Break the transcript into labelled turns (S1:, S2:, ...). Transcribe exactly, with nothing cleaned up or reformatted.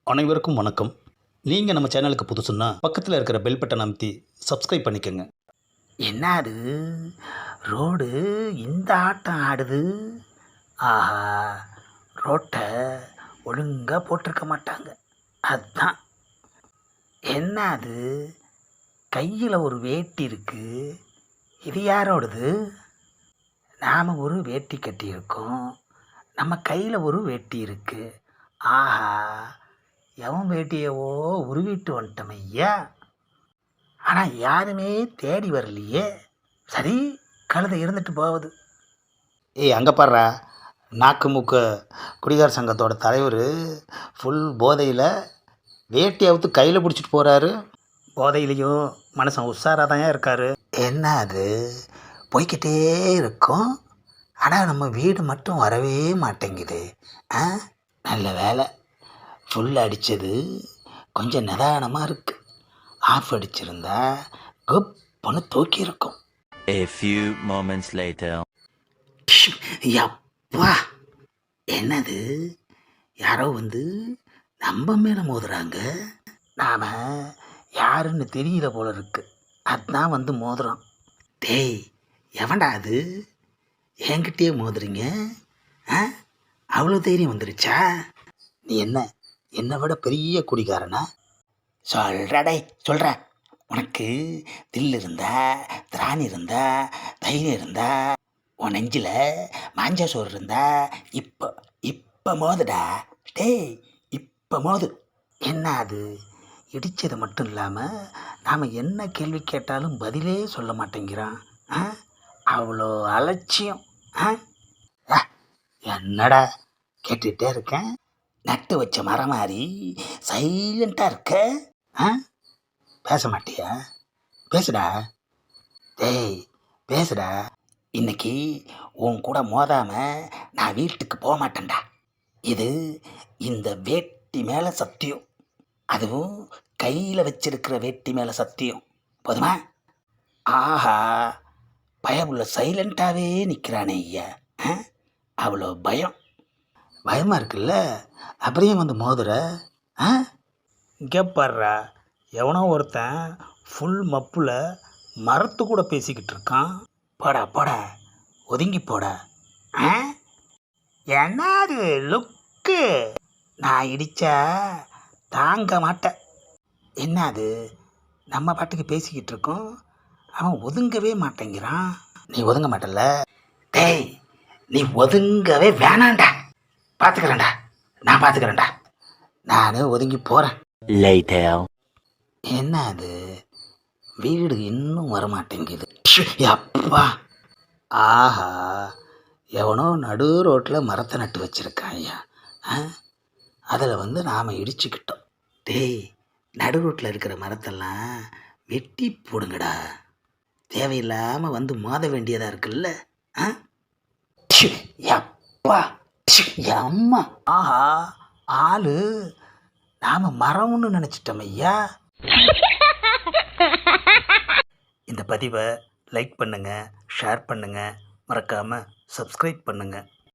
S1: அனைவருக்கும் வணக்கம். நீங்கள் நம்ம சேனலுக்கு புதுசுன்னா பக்கத்தில் இருக்கிற பெல் பட்டன் அமைத்தி சப்ஸ்கிரைப் பண்ணிக்கோங்க.
S2: என்ன அது ரோடு இந்த ஆட்டம் ஆடுது? ஆஹா, ரோட்டை ஒழுங்காக போட்டிருக்க மாட்டாங்க. அதுதான். என்ன அது கையில் ஒரு வேட்டி இருக்கு, இது யாரோடது? நாம் ஒரு வேட்டி கட்டியிருக்கோம், நம்ம கையில் ஒரு வேட்டி இருக்கு. ஆஹா, எவன் வேட்டியவோ உருவிட்டு வந்துட்டோம் ஐயா. ஆனால் யாருமே தேடி வரலையே. சரி, கழுதை இருந்துட்டு போகுது.
S1: ஏய் அங்கே பாடுறா, நாக்கு மூக்கு குடிகார சங்கத்தோட தலைவர் ஃபுல் போதையில் வேட்டி அவுத்து கையில் பிடிச்சிட்டு போகிறாரு.
S2: போதையிலையும் மனுஷன் உஷாராக தான் இருக்காரு. என்ன அது போய்கிட்டே இருக்கும், ஆனால் நம்ம வீடு மட்டும் வரவே மாட்டேங்குது. ஆ, நல்ல வேலை, ஃபுல் அடித்தது கொஞ்சம் நிதானமாக இருக்குது. ஆஃப் அடிச்சிருந்தா குப்புன்னு தூக்கி இருக்கும்.
S3: A few moments later.
S2: யப்பா, என்னது யாரோ வந்து நம்ம மேலே மோதுறாங்க. நாம் யாருன்னு தெரியல போல இருக்கு, அதுதான் வந்து மோதுறோம். டேய், எவன்டா அது என்கிட்டயே மோதுறீங்க? ஆ, அவ்வளோ தைரியம் வந்துருச்சா?
S1: நீ என்ன என்னை விட பெரிய குடிகாரனா?
S2: சொல்கிறடே சொல்கிற. உனக்கு தில் இருந்தா, திராணி இருந்தா, தைரியம் இருந்தா, உன் நெஞ்சில் மாஞ்சா சோறு இருந்தா இப்போ இப்போ மோதுடா. டேய், இப்போ மோது. என்ன அது இடித்தது மட்டும் இல்லாமல் நாம் என்ன கேள்வி கேட்டாலும் பதிலே சொல்ல மாட்டேங்கிறான். ஆ, அவ்வளோ அலட்சியம். ஆ, என்னடா கேட்டுகிட்டே இருக்கேன், நட்டு வச்ச மரம் மாதிரி சைலண்ட்டாக இருக்க. ஆ, பேச மாட்டியா? பேசுடா. டேய், பேசுடா. இன்னைக்கு உன் கூட மோதாமல் நான் வீட்டுக்கு போக மாட்டேன்டா. இது இந்த வேட்டி மேலே சத்தியம், அதுவும் கையில் வச்சிருக்கிற வேட்டி மேலே சத்தியம். போதுமா? ஆஹா, பயமுள்ள சைலண்ட்டாகவே நிற்கிறானே ஐயா. ஆ, அவ்வளோ பயம். பயமாக இருக்குல்ல, அப்படியே வந்து மோதுற. ஆ, இங்கே பாடுறா, எவனோ ஒருத்தன் ஃபுல் மப்பில் மரத்து கூட பேசிக்கிட்டு இருக்கான். போடா போடா, ஒதுங்கி போடா. ஆ, என்னது லுக்கு, நான் இடித்தா தாங்க மாட்டேன். என்னது நம்ம பாட்டுக்கு பேசிக்கிட்டு இருக்கோம், அவன் ஒதுங்கவே மாட்டேங்கிறான். நீ ஒதுங்க மாட்டல? டேய், நீ ஒதுங்கவே வேணாண்டா. பார்த்துக்கிறேன்டா, நான் பார்த்துக்கிறேன்டா. நான் ஒதுங்கி போகிறேன்.
S3: Later.
S2: என்ன அது வீடு இன்னும் வரமாட்டேங்குது. அப்பா, ஆஹா, எவனோ நடு ரோட்டில் மரத்தை நட்டு வச்சுருக்கான் ஐயா. அதில் வந்து நாம் இடிச்சுக்கிட்டோம். டேய், நடு ரோட்டில் இருக்கிற மரத்தெல்லாம் வெட்டி போடுங்கடா, தேவையில்லாமல் வந்து மோத வேண்டியதாக இருக்குல்ல. ஆ, அப்பா, அம்மா, ஆஹா, ஆளு நாம் மரம்னு நினச்சிட்டோம் ஐயா. இந்த பதிவை லைக் பண்ணுங்கள், ஷேர் பண்ணுங்கள், மறக்காமல் சப்ஸ்கிரைப் பண்ணுங்கள்.